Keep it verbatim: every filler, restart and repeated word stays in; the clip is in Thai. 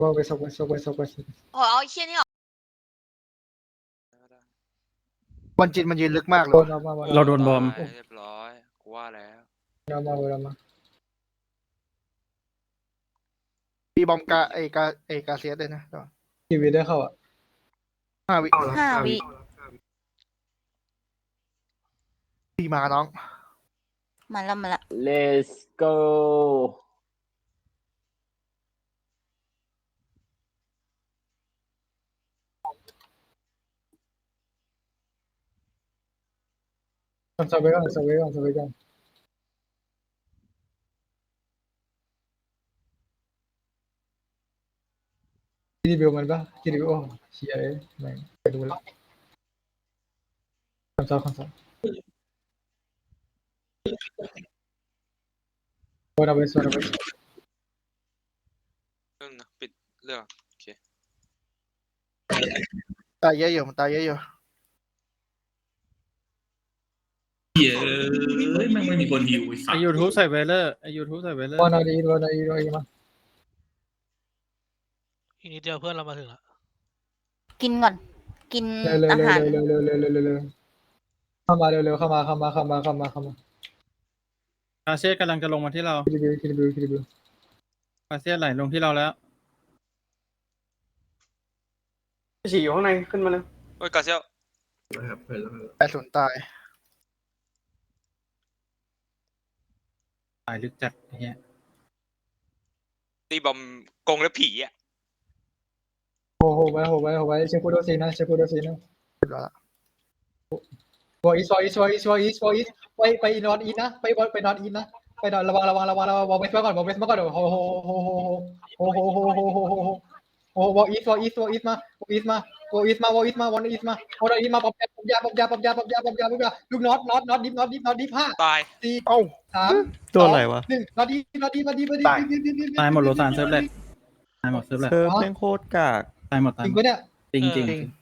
ว่าไปซกไปซกไปซกไปโอ้ยเอาไอ้เชี่ยนี่ออกบอลจินมันยืนลึกมากเลโดยนเอามามาเราโดนบอมตายเรียบร้อยกูว่าแล้วเอามาเอามามีบอมกาไอกาไอกาเซียสด้วยนะทีวีได้เข้าอ่ะห้าวิห้าวิพี่มาน้องมาแล้วมาแล้ว let's go ทำซับไว้ก่อนซับไว้ก่อนซับไว้ก่อนคิดดีวิวมันปะคิดดีวิวโอ้เชียร์แม่งไปดูแล้วคำซับคำซับโอ้เราไปส่วนเราไปเรื่องนะปิดเรื่องโอเคตายเยอะอยู่มันตายเยอะอยู่เย้ยแม่งไม่มีคนฮิวไอ้สัไอสยูทูบใส่เวเลอร์ไอยูทูบใส่เวเลอร์วันอาทิตย์วันอาทิตย์วันอาทิตย์มาอีกนิดเดียวเพื่อนเรามาถึงแล้วกินก่อน กินเร็วเร็วอาหารเร็วเร็วเร็วเร็วเร็วเร็วเข้ามาเร็วเร็วเข้ามาเข้ามาเข้ามาเข้ามาเข้ามาคาเซียสกำลังจะลงมาที่เราคิดดีวิวคิดดีวิวคิดดีวิวคาเซียสไหลลงที่เราแล้วฉี่อยู่ข้างในขึ้นมาเลยโอ้ยกาเซียวนะครับเพื่อนแล้วแปดศูนย์ตายตายลึกจัดไอ้เฮียตีบอมกงและผีอ่ะโอ้โหไว้โหไว้โหไว้เชฟพูดโดซีนะเชฟพูดโดซีนะเรียบร้อยละวออีสวออีสวออีสวออีสวออีสไปไปนอนอีนะไปไปนอนอีนะไปนอนระวังระวังระวังระวังวอเวสมาก่อนวอเวสมาก่อนโอ้โหโอ้โหโอ้โหโอ้โหโอ้โหโอ้โหโอ้โหโอ้โหวออีสวออีสวออีสมาวออีสมาวออีสมาวออีสมาวออีสมาวออีสมาปอบยาปอบยาปอบยาปอบยาปอบยาปอบยาปอบยาลูกน็อตน็อตน็อตดิฟน็อตดิฟน็อตดิฟห้าตายสี่เอ้าสามตัวอะไรวะหนึ่งน็อตดิฟน็อตดิฟน็อตดิฟน็อตดิฟตายหมดโลซานเซิร์ฟเลยตายหมดเซิร์ฟเลยเซิร์ฟแม่งโคตรกากตายหมดตายจริงหมดปะเนี่ยจริงจริงจริง